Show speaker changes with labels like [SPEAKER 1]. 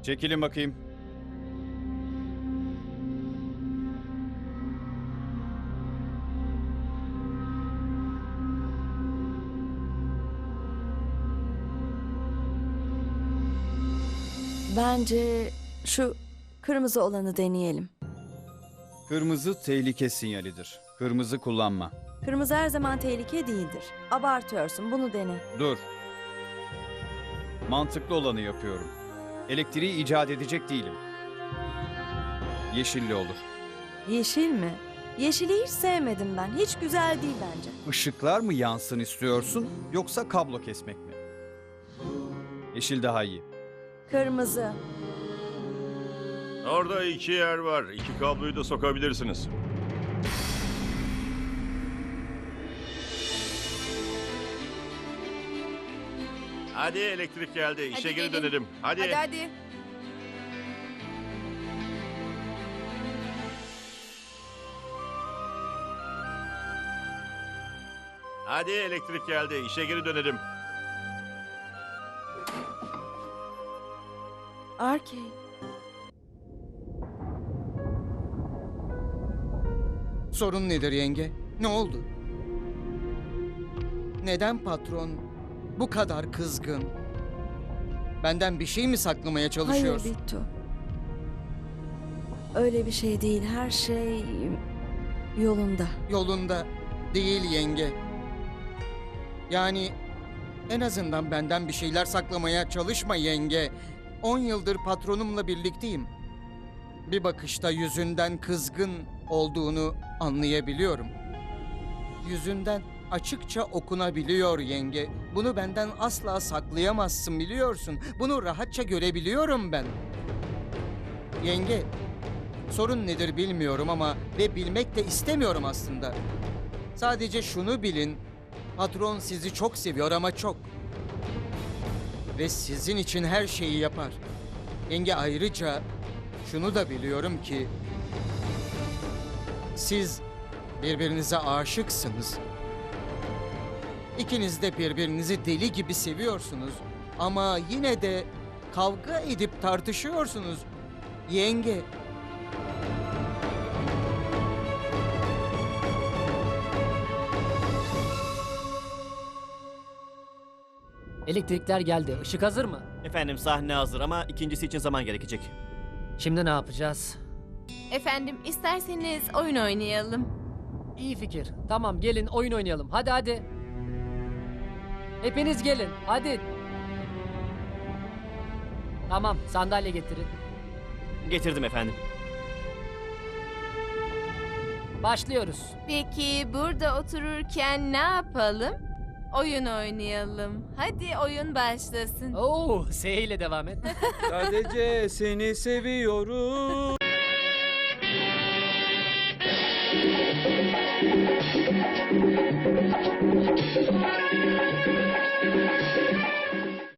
[SPEAKER 1] Çekilin bakayım.
[SPEAKER 2] Bence şu kırmızı olanı deneyelim.
[SPEAKER 1] Kırmızı tehlike sinyalidir. Kırmızı kullanma.
[SPEAKER 2] Kırmızı her zaman tehlike değildir. Abartıyorsun, bunu dene.
[SPEAKER 1] Dur. Mantıklı olanı yapıyorum. Elektriği icat edecek değilim. Yeşilli olur.
[SPEAKER 2] Yeşil mi? Yeşili hiç sevmedim ben. Hiç güzel değil bence.
[SPEAKER 1] Işıklar mı yansın istiyorsun yoksa kablo kesmek mi? Yeşil daha iyi.
[SPEAKER 2] Kırmızı.
[SPEAKER 3] Orada 2 yer var. 2 kabloyu da sokabilirsiniz. Hadi elektrik geldi. İşe
[SPEAKER 4] Hadi
[SPEAKER 3] geri
[SPEAKER 4] gelin.
[SPEAKER 3] dönelim. Hadi.
[SPEAKER 4] Hadi hadi.
[SPEAKER 3] Hadi elektrik geldi. İşe geri dönelim.
[SPEAKER 2] Arcade.
[SPEAKER 5] Sorun nedir yenge? Ne oldu? Neden patron bu kadar kızgın? Benden bir şey mi saklamaya
[SPEAKER 2] Hayır
[SPEAKER 5] çalışıyorsun?
[SPEAKER 2] Bittu. Öyle bir şey değil. Her şey yolunda.
[SPEAKER 5] Yolunda değil yenge. Yani en azından benden bir şeyler saklamaya çalışma yenge. 10 yıldır patronumla birlikteyim. Bir bakışta yüzünden kızgın olduğunu anlayabiliyorum. Yüzünden açıkça okunabiliyor yenge. Bunu benden asla saklayamazsın biliyorsun. Bunu rahatça görebiliyorum ben. Yenge, sorun nedir bilmiyorum ama ve bilmek de istemiyorum aslında. Sadece şunu bilin, patron sizi çok seviyor ama çok. Ve sizin için her şeyi yapar. Yenge ayrıca şunu da biliyorum ki siz birbirinize aşıksınız. İkiniz de birbirinizi deli gibi seviyorsunuz ama yine de kavga edip tartışıyorsunuz. Yenge,
[SPEAKER 6] Elektrikler geldi. Işık hazır mı?
[SPEAKER 7] Efendim sahne hazır ama ikincisi için zaman gerekecek.
[SPEAKER 6] Şimdi ne yapacağız?
[SPEAKER 4] Efendim isterseniz oyun oynayalım.
[SPEAKER 6] İyi fikir. Tamam gelin oyun oynayalım. Hadi hadi. Hepiniz gelin. Hadi. Tamam sandalye getirin.
[SPEAKER 7] Getirdim efendim.
[SPEAKER 6] Başlıyoruz.
[SPEAKER 4] Peki burada otururken ne yapalım? Oyun oynayalım. Hadi oyun başlasın.
[SPEAKER 6] Oo, S ile devam et.
[SPEAKER 8] Sadece seni seviyorum.